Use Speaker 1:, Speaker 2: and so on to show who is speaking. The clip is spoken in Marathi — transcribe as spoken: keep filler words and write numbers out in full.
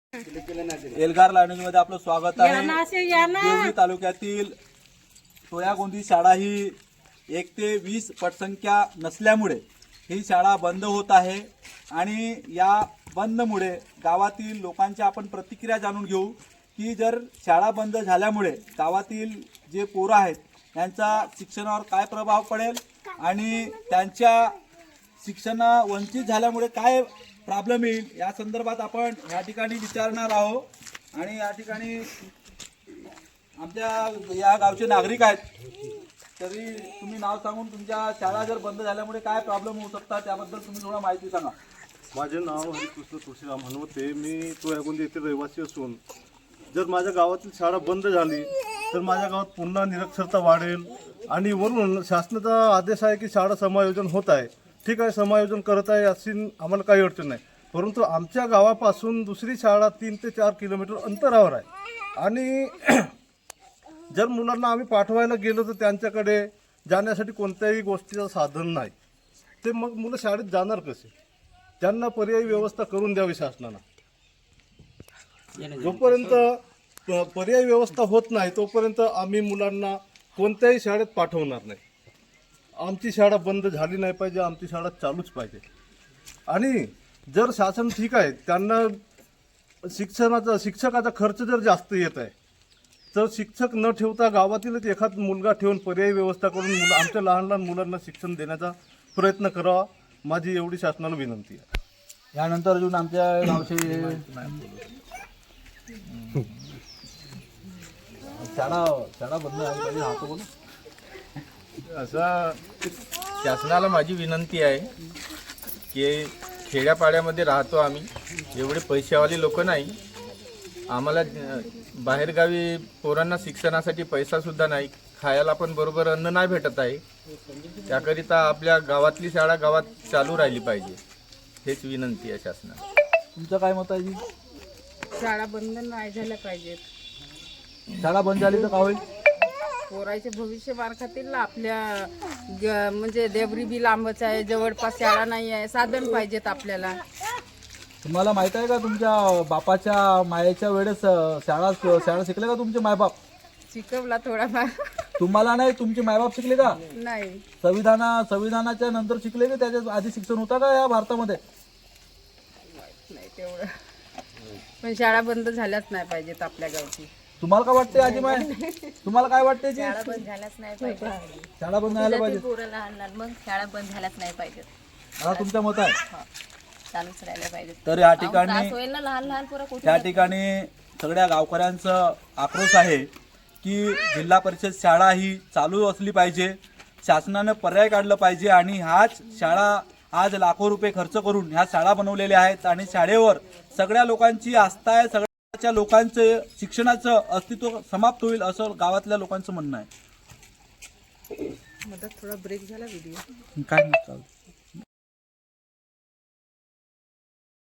Speaker 1: एल्गार लाईव्ह मध्ये आपलं स्वागत आहे। देवळी तालुक्यातील टोयागोंदी शाळा ही एक ते वीस पटसंख्या नसल्यामुळे ही शाळा बंद होत आहे आणि या बंदमुळे गावातील लोकांच्या आपण प्रतिक्रिया जाणून घेऊ की जर शाळा बंद झाल्यामुळे गावातील जे पोरं आहेत त्यांचा शिक्षणावर काय प्रभाव पडेल आणि त्यांच्या शिक्षण वंचित झाल्यामुळे काय प्रॉब्लेम येईल या संदर्भात आपण या ठिकाणी विचारणार आहोत। आणि या ठिकाणी आमच्या या गावचे नागरिक आहेत, तरी तुम्ही नाव सांगून तुमच्या शाळा जर बंद झाल्यामुळे काय प्रॉब्लेम होऊ शकतात त्याबद्दल तुम्ही थोडा माहिती सांगा।
Speaker 2: माझे नाव हरिकृष्ण तुळशीराम हनुमते, मी टोयागोंदी येथे रहिवासी असून जर माझ्या गावातील शाळा बंद झाली तर माझ्या गावात पुन्हा निरक्षरता वाढेल आणि वरून शासनाचा आदेश आहे की शाळा समायोजन होत आहे, ठीक आहे, समायोजन करत आहे अशी आम्हाला काही अडचण नाही, परंतु आमच्या गावापासून दुसरी शाळा तीन ते चार किलोमीटर अंतरावर आहे आणि जर मुलांना आम्ही पाठवायला गेलो तर त्यांच्याकडे जाण्यासाठी कोणत्याही गोष्टीचं साधन नाही, ते मग मुलं शाळेत जाणार कसे? त्यांना पर्यायी व्यवस्था करून द्यावी शासनानं। जोपर्यंत पर्यायी व्यवस्था होत नाही तोपर्यंत आम्ही मुलांना कोणत्याही शाळेत पाठवणार नाही। आमची शाळा बंद झाली नाही पाहिजे, आमची शाळा चालूच पाहिजे। आणि जर शासन ठीक आहे, त्यांना शिक्षणाचा शिक्षकाचा खर्च जर जास्त येत आहे तर शिक्षक न ठेवता गावातीलच एखाद मुलगा ठेवून पर्यायी व्यवस्था करून मुलं आमच्या लहान लहान मुलांना शिक्षण देण्याचा प्रयत्न करावा, माझी एवढी शासनाला विनंती आहे।
Speaker 1: यानंतर अजून आमच्या गावचे शाळा शाळा बंद झाली पाहिजे हा तो बोल
Speaker 3: असं शासनाला माझी विनंती आहे की खेड्यापाड्यामध्ये राहतो आम्ही, एवढे पैशावाले लोक नाही, आम्हाला बाहेरगावी पोरांना शिक्षणासाठी पैसासुद्धा नाही, खायला पण बरोबर अन्न नाही भेटत आहे, त्याकरिता आपल्या गावातली शाळा गावात चालू राहिली पाहिजे, हेच विनंती आहे शासनाला।
Speaker 1: तुमचं काय मत आहे जी?
Speaker 4: शाळा बंद नाही झाल्या पाहिजेत।
Speaker 1: शाळा बंद झाली तर काय होईल?
Speaker 4: पोराचे भविष्य मार खातील ना आपल्या, ग- म्हणजे देवरी बी लांबच आहे, जवळपास शाळा नाही आहे, साधन पाहिजेत आपल्याला।
Speaker 1: तुम्हाला माहित आहे का तुमच्या बापाच्या मायेच्या वेळेस अ, शाळा शाळा शिकले का तुमचे मायबाप?
Speaker 4: शिकवला थोडाफार
Speaker 1: तुम्हाला नाही, तुमचे मायबाप शिकले का?
Speaker 4: नाही,
Speaker 1: संविधाना संविधानाच्या नंतर शिकले का? त्याच्या आधी शिक्षण होता का या भारतामध्ये?
Speaker 4: नाही तेवढं, पण शाळा बंद झाल्याच नाही पाहिजेत आपल्या गावची।
Speaker 1: तुम्हाला काय वाटते आजी माय? तुम्हाला काय वाटते जी?
Speaker 5: शाळा बंद झाल्याच नाही पाहिजे।
Speaker 1: शाळा बंद झाल्या पाहिजे,
Speaker 5: पोरं लहान लहान, मग शाळा बंद झाल्याच नाही पाहिजे,
Speaker 1: हा तुमचं मत आहे?
Speaker 5: चालूच राहिल्या पाहिजे।
Speaker 1: तर या
Speaker 5: त्रास
Speaker 1: ठिकाणी
Speaker 5: होईल ना लहान लहान पोरं कुठे
Speaker 1: त्या ठिकाणी सगळ्या गावकऱ्यांचं आक्रोश आहे की जिल्हा परिषद शाळा ही चालू असली पाहिजे, शासनानं पर्याय काढलं पाहिजे आणि हाच शाळा आज लाखो रुपये खर्च करून ह्या शाळा बनवलेल्या आहेत आणि शाळेवर सगळ्या लोकांची आस्था आहे, सगळ्या लोकांचं शिक्षणाचं अस्तित्व समाप्त होईल असं गावातल्या लोकांचं म्हणणं आहे।
Speaker 4: मदत थोडा ब्रेक झाला व्हिडिओ
Speaker 1: काय नाही चालतं।